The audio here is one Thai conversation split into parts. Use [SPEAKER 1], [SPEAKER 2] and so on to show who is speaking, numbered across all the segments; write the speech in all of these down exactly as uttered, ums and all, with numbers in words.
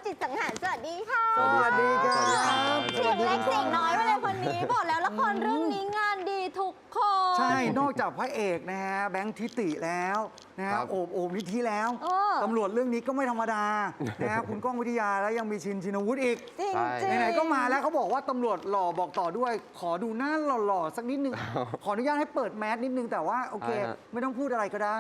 [SPEAKER 1] จิตสังหารสวัสดีค่ะ
[SPEAKER 2] สวัสดีครับ
[SPEAKER 1] เสียงเล็กเสียงน้อยมาเลยคนนี้บอกแล้วละครเรื่องนี้งานดีทุกคน
[SPEAKER 2] ใช่นอกจากพระเอกนะฮะแบงค์ทิติแล้วนะฮะโอบโอบนิธิแล้วตำรวจเรื่องนี้ก็ไม่ธรรมดานะฮะคุณก้องวิทยาแล้วยังมีชินชินวุฒิอีก
[SPEAKER 1] จริงจริง
[SPEAKER 2] ไหนๆก็มาแล้วเขาบอกว่าตำรวจหล่อบอกต่อด้วย ขอดูหน้าหล่อๆสักนิดนึงขออนุญาตให้เปิดแมสนิดนึงแต่ว่าโอเค ไม่ต้องพูดอะไรก็ได้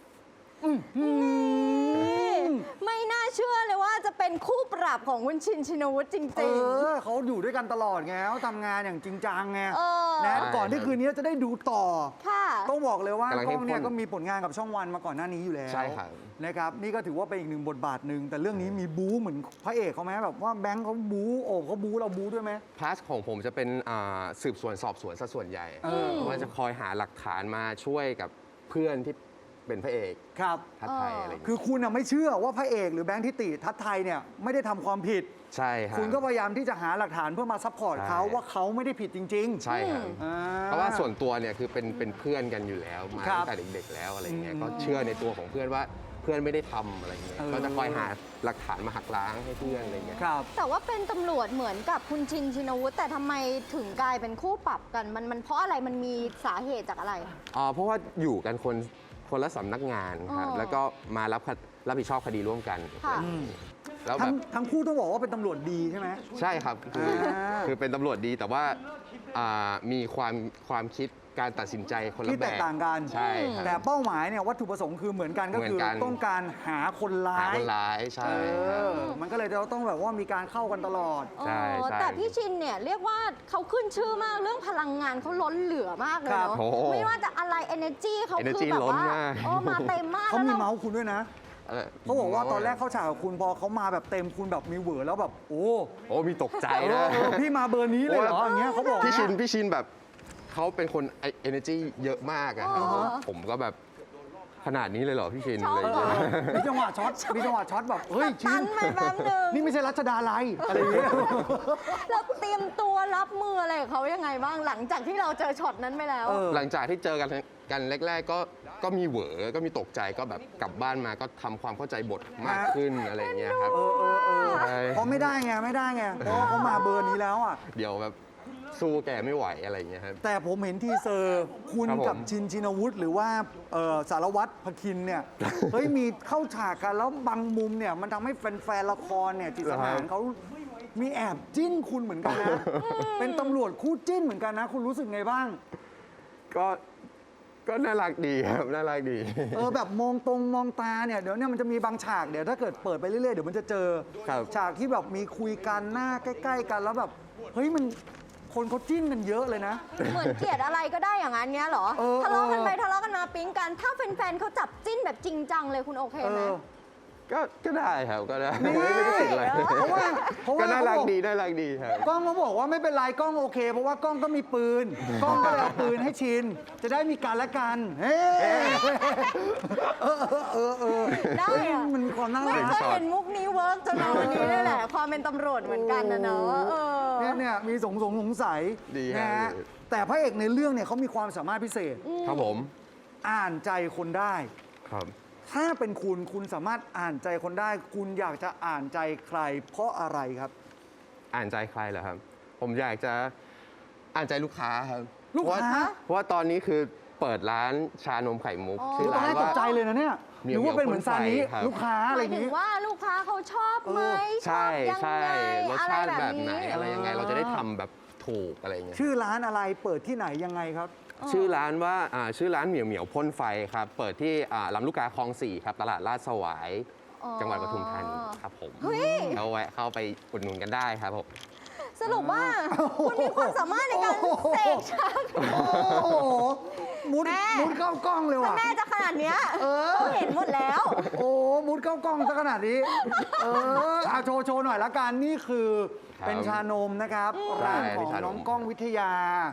[SPEAKER 1] ไม่น่าเชื่อเลยว่าจะเป็นคู่ปรับของคุณชินชินวุฒิจริงๆ
[SPEAKER 2] เออเขาอยู่ด้วยกันตลอดไงเขาทำงานอย่างจริงจังไง
[SPEAKER 1] เออ
[SPEAKER 2] นะก่อนที่คืนนี้จะได้ดูต่อ
[SPEAKER 1] ค่ะ
[SPEAKER 2] ต้องบอกเลยว่าก
[SPEAKER 3] ำลัง
[SPEAKER 2] กล้องเนี่ย
[SPEAKER 3] เข้มข้น
[SPEAKER 2] ก็มีผลงานกับช่องวันมาก่อนหน้านี้อยู่แล้ว
[SPEAKER 3] ใช่ครับ
[SPEAKER 2] นะครับนี่ก็ถือว่าเป็นอีกหนึ่งบทบาทหนึ่งแต่เรื่องนี้มีบู๊เหมือนพระเอกเขาไหมแบบว่าแบงค์เขาบู๊โอบเขาบู๊เราบู๊ด้วยไหม
[SPEAKER 3] พาสของผมจะเป็นอ่าสืบสวนสอบสวนซะส่วนใหญ่
[SPEAKER 2] เออ
[SPEAKER 3] เพราะว่าจะคอยหาหลักฐานมาช่วยกับเพื่อนที่เป็นพระเอก
[SPEAKER 2] ครับ
[SPEAKER 3] ทัดไทยอะไรอย่าง
[SPEAKER 2] คื
[SPEAKER 3] เงี้ย
[SPEAKER 2] อคุณน่ะไม่เชื่อว่าพระเอกหรือแบงค์ทิติทัศน์ไทยเนี่ยไม่ได้ทำความผิด
[SPEAKER 3] ใช่ครับ
[SPEAKER 2] คุณก็พยายามที่จะหาหลักฐานเพื่อมาซัพพอร์ต
[SPEAKER 3] ใช่
[SPEAKER 2] เขาว่าเขาไม่ได้ผิดจริงๆ
[SPEAKER 3] ใช่ครับ
[SPEAKER 2] อ่
[SPEAKER 3] เพราะว่าส่วนตัวเนี่ยคือเป็นเป็นเพื่อนกันอยู่แล้วมา
[SPEAKER 2] ครับ
[SPEAKER 3] ตั้งแต่เด็กๆแล้วอะไรเงี้ย
[SPEAKER 2] อืม
[SPEAKER 3] ก็เชื่อในตัวของเพื่อนว่าเพื่อนไม่ได้ทำอะไรเงี้ย
[SPEAKER 2] เออ
[SPEAKER 3] ก็จะคอยหาหลักฐานมาหักล้างให้เพื่อนอะไรเงี้ย
[SPEAKER 2] ครับ
[SPEAKER 1] แต่ว่าเป็นตำรวจเหมือนกับคุณชินชินวุฒิแต่ทำไมถึงกลายเป็นคู่ปรับกันมันมันเพราะอะไรมันมีสาเหตุจากอะไร
[SPEAKER 3] อ่าเพราะว่าอยู่กันคนคนละสำนักงานครับ
[SPEAKER 1] อ๋อ
[SPEAKER 3] แล้วก็มารับคดรับผิดชอบคดีร่วมกัน
[SPEAKER 1] ค่ะ
[SPEAKER 3] แล้วแบ
[SPEAKER 2] ทั้ง
[SPEAKER 3] บ
[SPEAKER 2] ทั้งคู่ต้องบอกว่าเป็นตำรวจดีใช่ไหม
[SPEAKER 3] ใช่ครับคืออา คือเป็นตำรวจดีแต่ว่าอ่ามีความความคิดการตัดสินใจคนละ
[SPEAKER 2] ที่
[SPEAKER 3] แบ
[SPEAKER 2] แตก
[SPEAKER 3] บ
[SPEAKER 2] ต่างกัน
[SPEAKER 3] ใช่ครับ
[SPEAKER 2] แต่เป้าหมายเนี่ยวัตถุประสงค์คือเหมือนกันก็คือ
[SPEAKER 3] เหมือนกัน
[SPEAKER 2] ต้องการหาคนร้า
[SPEAKER 3] หาย คนร้ายใช่
[SPEAKER 2] เอ
[SPEAKER 3] ครับ
[SPEAKER 2] อมันก็เลยจะต้องแบบว่ามีการเข้ากันตลอด
[SPEAKER 3] ใช่
[SPEAKER 1] อ๋อ
[SPEAKER 3] ใช่
[SPEAKER 1] แต่พี่ชินเนี่ยเรียกว่าเขาขึ้นชื่อมากเรื่องพลังงานเขาล้นเหลือมากเลย
[SPEAKER 2] ครับ
[SPEAKER 1] เนาะ
[SPEAKER 3] โอ้
[SPEAKER 1] ไม่ว่าจะอะไร energy เขาคือ
[SPEAKER 3] energy
[SPEAKER 1] แบบว่า
[SPEAKER 3] ล้นมาก
[SPEAKER 1] โอ้มาเต็มมาก
[SPEAKER 2] เขามี
[SPEAKER 1] แล้วร
[SPEAKER 2] เมาส์คุณด้วยนะ
[SPEAKER 3] เออ
[SPEAKER 2] เขาบอกว่าตอนแรกเขาฉากกับคุณพอเขามาแบบเต็มคุณแบบมีเหวอแล้วแบบโอ้
[SPEAKER 3] โอ้มีตกใจ
[SPEAKER 2] เอ
[SPEAKER 3] นะ
[SPEAKER 2] อเออพี่มาเบอร์นี้เลยเหรออย่างเงี้ยเขาบอก
[SPEAKER 3] พี่ชิน
[SPEAKER 2] เย
[SPEAKER 3] พี่ชินแบบเขาเป็นคนเอเนจีเยอะมากอะครับ
[SPEAKER 1] อ๋อ
[SPEAKER 3] ผมก็แบบขนาดนี้เลยเหรอพี่ชิน
[SPEAKER 1] ชอบ
[SPEAKER 3] อะไร
[SPEAKER 2] เอ
[SPEAKER 3] อย่าง
[SPEAKER 2] อ
[SPEAKER 3] เงี้ย
[SPEAKER 2] มีจังหวะช็อตมีจังหวะช็อตแบบเฮ้ยชิ
[SPEAKER 1] ตั
[SPEAKER 2] น
[SPEAKER 1] นไปแป๊บนึง
[SPEAKER 2] นี่ไม่ใช่รัชดาลัยอะไรอย่างเงี้ย
[SPEAKER 1] เราเตรียมตัวรับมืออะไรกับเขายังไงบ้างหลังจากที่เราเจอช็อตนั้นไปแล้ว
[SPEAKER 2] เออ
[SPEAKER 3] หลังจากที่เจอกันกันแรก ๆ ก็ก็มีเหวอก็มีตกใจก็แบบกลับบ้านมาก็ทำความเข้าใจบทมากขึ้นอะไรอย่างเงี้ยครับ
[SPEAKER 2] เออเออเออ
[SPEAKER 3] ใช่
[SPEAKER 2] เพราะไม่ได้ไงไม่ได้ไงเพราะว่าเขามาเบอร์นี้แล้วอ่ะ
[SPEAKER 3] เดี๋ยวแบบสู้แกไม่ไหวอะไรอย่างเงี้ยครับ
[SPEAKER 2] แต่ผมเห็นทีเซอร์คุณ
[SPEAKER 3] ครับผม
[SPEAKER 2] กับชินชินวุฒิหรือว่าเอ่อสารวัตรพคินเนี่ย เฮ้ยมีเข้าฉากกันแล้วบางมุมเนี่ยมันทำให้แฟนๆละครเนี่ยจิตสมานเขามีแอบจิ้นคุณเหมือนกันนะ เป็นตำรวจคู่จิ้นเหมือนกันนะ คุณรู้สึกไงบ้าง
[SPEAKER 3] ก็ก็น่ารักดีครับน่ารักดี
[SPEAKER 2] เออแบบมองตรงมองตาเนี่ยเดี๋ยวเนี่ยมันจะมีบางฉากเดี๋ยวถ้าเกิดเปิดไปเรื่อยๆเดี๋ยวมันจะเจอ
[SPEAKER 3] ครับ
[SPEAKER 2] ฉากที่แบบมีคุยกันหน้าใกล้ ๆ กันแล้วแบบเฮ้ยมันคนเขาจิ้นกันเยอะเลยนะ
[SPEAKER 1] เหมือนเกลียดอะไรก็ได้อย่างนั้นเนี้ยเหรอ
[SPEAKER 2] เออ
[SPEAKER 1] ทะเลาะกันไปทะเลาะกันมาปิ๊งกัน ถ้าแฟนๆเขาจับจิ้นแบบจริงจังเลยคุณโอเค
[SPEAKER 2] เอ
[SPEAKER 1] ไหม
[SPEAKER 2] อ
[SPEAKER 3] ก็ก็ได้ครับก็ได้
[SPEAKER 2] นี่
[SPEAKER 3] ไม่ได้ติดอะไร
[SPEAKER 2] เพราะว่าเพราะว่า
[SPEAKER 3] ก็น่ารัก
[SPEAKER 2] เขาบอก
[SPEAKER 3] ดีน่ารักดีครับ
[SPEAKER 2] กล้องเขาบอกว่าไม่เป็นไรกล้องโอเค เพราะว่ากล้องก็มีปืนกล้องก็เลยเอาปืนให้ชิน จะได้มีการละกันเฮ้เออเออเออเออ
[SPEAKER 1] ได้
[SPEAKER 2] เฮ้ย
[SPEAKER 1] อะ
[SPEAKER 2] มันมีความน่า
[SPEAKER 1] ไม่
[SPEAKER 2] รัก
[SPEAKER 1] เคยเห็นมุกนี้เวิร์กจนมาวันนี้นี่แหละ ความเป็นตำรวจเหมือนกันนะเนาะเออ
[SPEAKER 2] เนี่ยเนี่ยมีสงสงสงสัย
[SPEAKER 3] ดี
[SPEAKER 2] นะ
[SPEAKER 3] ฮะ
[SPEAKER 2] ฮะแต่พระเอกในเรื่องเนี่ยเขามีความสามารถพิเศษ
[SPEAKER 3] ครับผม
[SPEAKER 2] อ่านใจคนได้
[SPEAKER 3] ครับ
[SPEAKER 2] ถ้าเป็นคุณคุณสามารถอ่านใจคนได้ คุณอยากจะอ่านใจใคร เพราะอะไรครับ
[SPEAKER 3] อ่านใจใครเหรอครับ ผมอยากจะอ่านใจลูกค้าครับ
[SPEAKER 2] ลูกค้า
[SPEAKER 3] เพราะว่าเพราะว่าตอนนี้คือเปิดร้านชานมไข่มุก
[SPEAKER 1] อ๋อ
[SPEAKER 3] ชื่อ
[SPEAKER 2] ตอน
[SPEAKER 3] ร้าน
[SPEAKER 2] แรกต
[SPEAKER 3] ว่าก
[SPEAKER 2] ใจเลยนะเนี่ย
[SPEAKER 3] เหมี
[SPEAKER 2] ห
[SPEAKER 3] ยว
[SPEAKER 2] รือว่าเป็นเหมือนซานิ
[SPEAKER 3] เหมียวพ่นไฟครับ
[SPEAKER 2] ลูกค้า
[SPEAKER 1] ห
[SPEAKER 2] อะไร
[SPEAKER 1] มา
[SPEAKER 2] อย ย่าง
[SPEAKER 1] ถึง
[SPEAKER 2] นี้
[SPEAKER 1] ว่าลูกค้าเขาชอบไหมช
[SPEAKER 3] ใช่
[SPEAKER 1] อบยัง
[SPEAKER 3] ใช่
[SPEAKER 1] ไง
[SPEAKER 3] รส
[SPEAKER 1] อะไร
[SPEAKER 3] ชาติ
[SPEAKER 1] แบ
[SPEAKER 3] แบบ บ
[SPEAKER 1] นี้
[SPEAKER 3] ไหนอะไรยังไง เราจะได้ทำแบบถูกอะไรอย่างเงี้ย
[SPEAKER 2] ชื่อร้านอะไรเปิดที่ไหนยังไงครับ
[SPEAKER 3] ชื่อร้านว่าอ่าชื่อร้านเหมียวเหมียวพ่นไฟครับ เปิดที่อ่าลำลูกกาคลองสี่ครับ ตลาดลาดสวาย
[SPEAKER 1] อ๋อ
[SPEAKER 3] จังหวัดปทุมธานีครับผม
[SPEAKER 1] เฮ้ย
[SPEAKER 3] เอาแวะเข้าไปอุดหนุนกันได้ครับผม
[SPEAKER 1] สรุปว่าคุณมีความสามารถในการเสกชัก
[SPEAKER 2] โอ้โหมุด
[SPEAKER 1] แม่
[SPEAKER 2] มุดเข้ากล้องเลย
[SPEAKER 1] ถ้า
[SPEAKER 2] ว่ะ
[SPEAKER 1] แม่จะขนาดเนี้ยเขาเห็นหมดแล้ว
[SPEAKER 2] โอ้มุดเข้ากล้องซะขนาดนี้ เออเอาโชว์โชว์หน่อยละกันนี่คือ
[SPEAKER 3] ครับ
[SPEAKER 2] เป็นชานมนะครับร้านของ
[SPEAKER 3] ใช่เป็นชานม
[SPEAKER 2] น้องกล้องวิทยา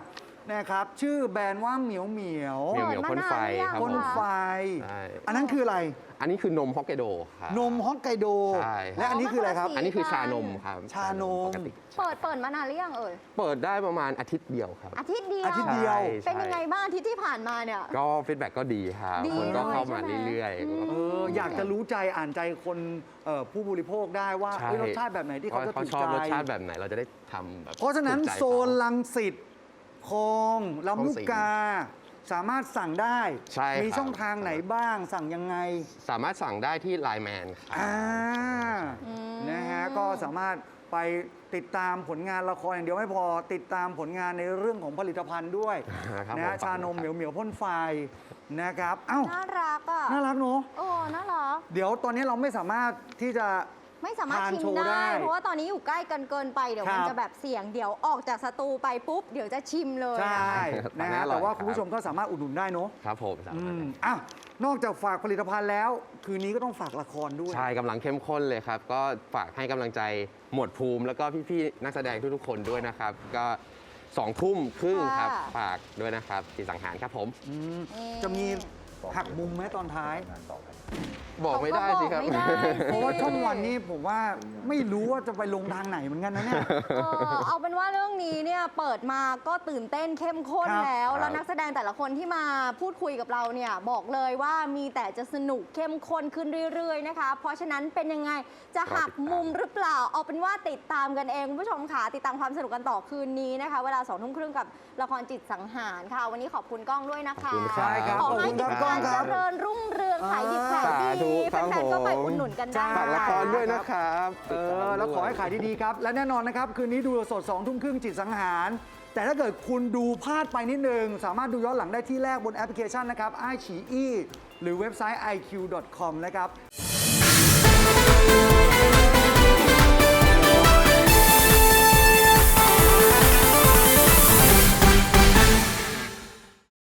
[SPEAKER 2] นะครับ ชื่อแบรนด์ว่าเหมียวเหมียว
[SPEAKER 3] เหมียวเหมียวพ่นไฟครับ
[SPEAKER 2] พ่นไฟ
[SPEAKER 3] ใช่
[SPEAKER 2] อันนั้นคืออะไร
[SPEAKER 3] อันนี้คือนมฮอกไกโดครับ
[SPEAKER 2] นมฮอกไกโด
[SPEAKER 3] ใช่
[SPEAKER 2] และอันนี้คืออะไรครับ
[SPEAKER 3] อันนี้คือชานมครับ
[SPEAKER 2] ชานม
[SPEAKER 3] ปกติ
[SPEAKER 1] เปิดเปิดมานานหรือยังเอ่ย
[SPEAKER 3] เปิดได้ประมาณอาทิตย์เดียวครับ
[SPEAKER 1] อาทิตย์เดียว
[SPEAKER 2] อาทิตย์เดียว
[SPEAKER 3] ใช่
[SPEAKER 1] เป็นยังไงบ้างอาทิตย์ที่ผ่านมาเนี่ย
[SPEAKER 3] ก็ฟีดแบ็กก็ดีครับ
[SPEAKER 1] ดี
[SPEAKER 3] คนก็เข้ามา
[SPEAKER 1] เลยใช่ไหม
[SPEAKER 3] เรื่อย
[SPEAKER 1] อืม
[SPEAKER 2] เอออยากจะรู้ใจอ่านใจคนเอ่อผู้บริโภคได้ว่า
[SPEAKER 3] ๆใช่
[SPEAKER 2] เอ้ยรสชาติแบบไหนที่เขาจะ
[SPEAKER 3] เขา
[SPEAKER 2] ถูก
[SPEAKER 3] ชอบ
[SPEAKER 2] ใจ
[SPEAKER 3] รสชาติแบบไหนเราจะได้ทำแบบ
[SPEAKER 2] เพราะฉะนั้น
[SPEAKER 3] ถูกใจ
[SPEAKER 2] โซน
[SPEAKER 3] เขา
[SPEAKER 2] ลังสิตคลองลำลูกกา สามารถสั่งได้
[SPEAKER 3] ใช่ครับ
[SPEAKER 2] มีช่องทางไหนบ้างสั่งยังไง
[SPEAKER 3] สามารถสั่งได้ที่ไลน์แมนครับ
[SPEAKER 2] อ่า
[SPEAKER 1] อืม
[SPEAKER 2] นะฮะก็สามารถไปติดตามผลงานละครอย่างเดียวไม่พอติดตามผลงานในเรื่องของผลิตภัณฑ์ด้วย
[SPEAKER 3] ครับ
[SPEAKER 2] นะฮะ
[SPEAKER 3] ผม
[SPEAKER 2] ชานมเหมียวเหมียวพ่นไฟนะครับเอ้า
[SPEAKER 1] น่ารักอ่ะ
[SPEAKER 2] น่ารักเนอะ
[SPEAKER 1] โอ้น่ารัก
[SPEAKER 2] เดี๋ยวตอนนี้เราไม่สามารถที่จะ
[SPEAKER 1] ไม่สามารถ
[SPEAKER 2] ทาน
[SPEAKER 1] ชิม
[SPEAKER 2] โชว์ได้
[SPEAKER 1] ได้ เพราะว่าตอนนี้อยู่ใกล้กันเกินไปเดี๋ยว
[SPEAKER 2] ครับ
[SPEAKER 1] มันจะแบบเสี่ยงเดี๋ยวออกจากสตูไปปุ๊บ เดี๋ยวจะชิมเลย
[SPEAKER 2] ใช่
[SPEAKER 3] ครับ
[SPEAKER 2] นะ
[SPEAKER 3] ตอนนี้
[SPEAKER 2] ฮะ
[SPEAKER 3] อร่อย
[SPEAKER 2] แต่ว่า
[SPEAKER 3] ครับ
[SPEAKER 2] คุณผู้ชมก็สามารถอุดหนุนได้เนอะ
[SPEAKER 3] ครับผมสา
[SPEAKER 2] อื
[SPEAKER 3] มารถ
[SPEAKER 2] มอ่ะนอกจากฝากผลิตภัณฑ์แล้ว คืนนี้ก็ต้องฝากละครด้วย
[SPEAKER 3] ใช่กำลังเข้มข้นเลยครับ ก็ฝากให้กำลังใจหมวดภูมิ แล้วก็พี่ๆนักแสดงทุกๆคนด้วยนะครับ ก็สองทุ่มครึ่งครับ
[SPEAKER 1] ค่ะ
[SPEAKER 3] ฝากด้วยนะครับจิตสังหารครับผม
[SPEAKER 2] อืม
[SPEAKER 1] อืม
[SPEAKER 2] จะมีหักมุมไหมตอนท้าย
[SPEAKER 3] บอกไม่ได้สิครับ
[SPEAKER 1] เขาก็บอกไม่ได้
[SPEAKER 2] เพราะว่าช่องวันนี้ผมว่าไม่รู้ว่าจะไปลงทางไหนเหมือนกันนะเนี่ย
[SPEAKER 1] เออเอาเป็นว่าเรื่องนี้เนี่ยเปิดมาก็ตื่นเต้นเข้มข้น
[SPEAKER 2] ครับ
[SPEAKER 1] แล้ว
[SPEAKER 3] ครับ
[SPEAKER 1] แล้วนักแสดงแต่ละคนที่มาพูดคุยกับเราเนี่ยบอกเลยว่ามีแต่จะสนุกเข้มข้นขึ้นเรื่อยๆนะคะ เพราะฉะนั้นเป็นยังไงจะหักมุมหรือเปล่า เอาเป็นว่าติดตามกันเองคุณผู้ชมค่ะติดตามความสนุกกันต่อคืนนี้นะคะ เวลาสองทุ่มครึ่งกับละครจิตสังหารค่ะ วันนี้ขอบคุณก้องด้วยนะคะ
[SPEAKER 3] ขอบคุณค
[SPEAKER 2] ใช่
[SPEAKER 3] รับ
[SPEAKER 2] ครับ
[SPEAKER 1] ขอให้
[SPEAKER 2] ขอบคุณ
[SPEAKER 1] กิ
[SPEAKER 2] ค
[SPEAKER 1] จ
[SPEAKER 2] รับ
[SPEAKER 1] การ
[SPEAKER 2] ก้องค
[SPEAKER 1] เจ
[SPEAKER 2] รับ
[SPEAKER 1] ริญรุ่งเรืองขายดิบขาย
[SPEAKER 3] สาธุ
[SPEAKER 1] ดี
[SPEAKER 3] ครับ
[SPEAKER 1] แฟนๆก็ไป
[SPEAKER 3] ผม
[SPEAKER 1] อุดหนุนกันได้
[SPEAKER 3] ฝากละครด้วยนะครับ
[SPEAKER 2] เออแล้วขอให้ขายดีๆครับ และแน่นอนนะครับ คืนนี้ดูสดสองทุ่มครึ่งจิตสังหาร แต่ถ้าเกิดคุณดูพลาดไปนิดนึง สามารถดูย้อนหลังได้ที่แรกบนแอปพลิเคชันนะครับ ไอ ฉี อี หรือเว็บไซต์ ไอ คิว ดอท คอม นะครับ